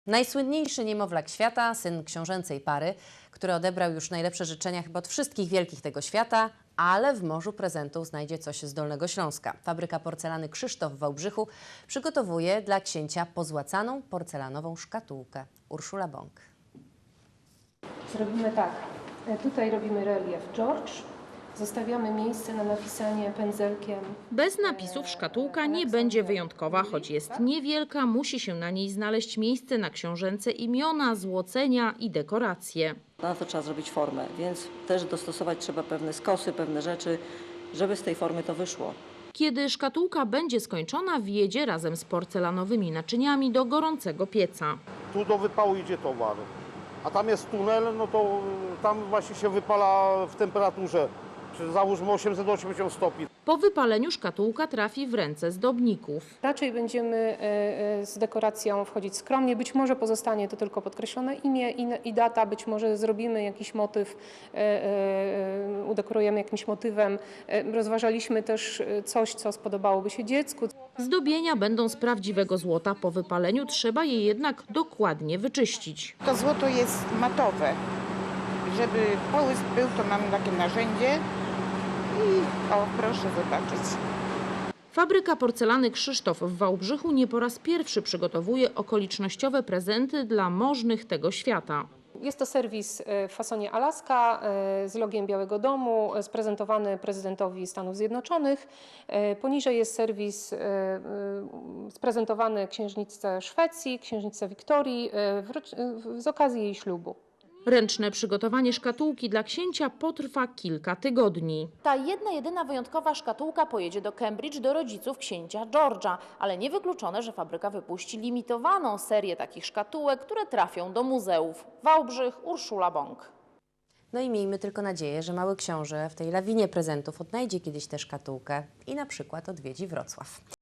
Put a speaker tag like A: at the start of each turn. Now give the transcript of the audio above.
A: Najsłynniejszy niemowlak świata, syn książęcej pary, który odebrał już najlepsze życzenia chyba od wszystkich wielkich tego świata, ale w morzu prezentów znajdzie coś z Dolnego Śląska. Fabryka porcelany Krzysztof w Wałbrzychu przygotowuje dla księcia pozłacaną porcelanową szkatułkę. Urszula Bąk.
B: Zrobimy tak. Tutaj robimy relief George. Zostawiamy miejsce na napisanie pędzelkiem.
C: Bez napisów szkatułka nie będzie wyjątkowa, choć jest niewielka, musi się na niej znaleźć miejsce na książęce imiona, złocenia i dekoracje.
D: Na to trzeba zrobić formę, więc też dostosować trzeba pewne skosy, pewne rzeczy, żeby z tej formy to wyszło.
C: Kiedy szkatułka będzie skończona, wjedzie razem z porcelanowymi naczyniami do gorącego pieca.
E: Tu do wypału idzie towar, a tam jest tunel, no to tam właśnie się wypala w temperaturze, załóżmy 880 stopni.
C: Po wypaleniu szkatułka trafi w ręce zdobników.
B: Raczej będziemy z dekoracją wchodzić skromnie. Być może pozostanie to tylko podkreślone imię i data. Być może zrobimy jakiś motyw, udekorujemy jakimś motywem. Rozważaliśmy też coś, co spodobałoby się dziecku.
C: Zdobienia będą z prawdziwego złota. Po wypaleniu trzeba je jednak dokładnie wyczyścić.
F: To złoto jest matowe. Żeby połysk był, to mamy takie narzędzie i proszę zobaczyć.
C: Fabryka porcelany Krzysztof w Wałbrzychu nie po raz pierwszy przygotowuje okolicznościowe prezenty dla możnych tego świata.
B: Jest to serwis w fasonie Alaska z logiem Białego Domu, sprezentowany prezydentowi Stanów Zjednoczonych. Poniżej jest serwis sprezentowany księżniczce Szwecji, księżniczce Wiktorii z okazji jej ślubu.
C: Ręczne przygotowanie szkatułki dla księcia potrwa kilka tygodni.
G: Ta jedyna wyjątkowa szkatułka pojedzie do Cambridge do rodziców księcia George'a, ale niewykluczone, że fabryka wypuści limitowaną serię takich szkatułek, które trafią do muzeów. Wałbrzych, Urszula Bąk.
A: No i miejmy tylko nadzieję, że mały książę w tej lawinie prezentów odnajdzie kiedyś tę szkatułkę i na przykład odwiedzi Wrocław.